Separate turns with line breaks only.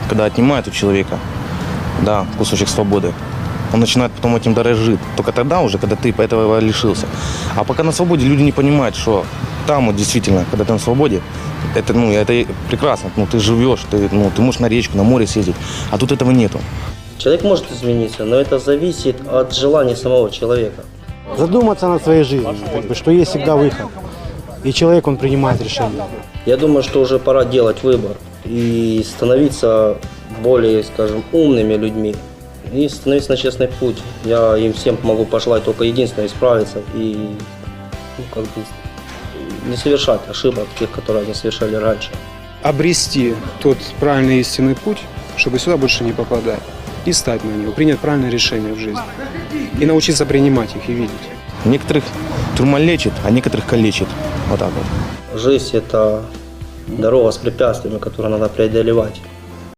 когда отнимают у человека, да, кусочек свободы, он начинает потом этим дорожить. Только тогда уже, когда ты этого лишился. А пока на свободе люди не понимают, что там вот действительно, когда ты на свободе, это прекрасно. Ты живешь, ты можешь на речку, на море съездить, а тут этого нету.
Человек может измениться, но это зависит от желания самого человека.
Задуматься над своей жизнью, что есть всегда выход. И человек, он принимает решение.
Я думаю, что уже пора делать выбор и становиться более, скажем, умными людьми. И становиться на честный путь. Я им всем могу пожелать только единственное — исправиться и не совершать ошибок, тех, которые они совершали раньше.
Обрести тот правильный истинный путь, чтобы сюда больше не попадать, и стать на него, принять правильное решение в жизни. И научиться принимать их и видеть.
Некоторых тюрьма лечит, а некоторых калечит. Вот так вот.
Жизнь — это дорога с препятствиями, которые надо преодолевать.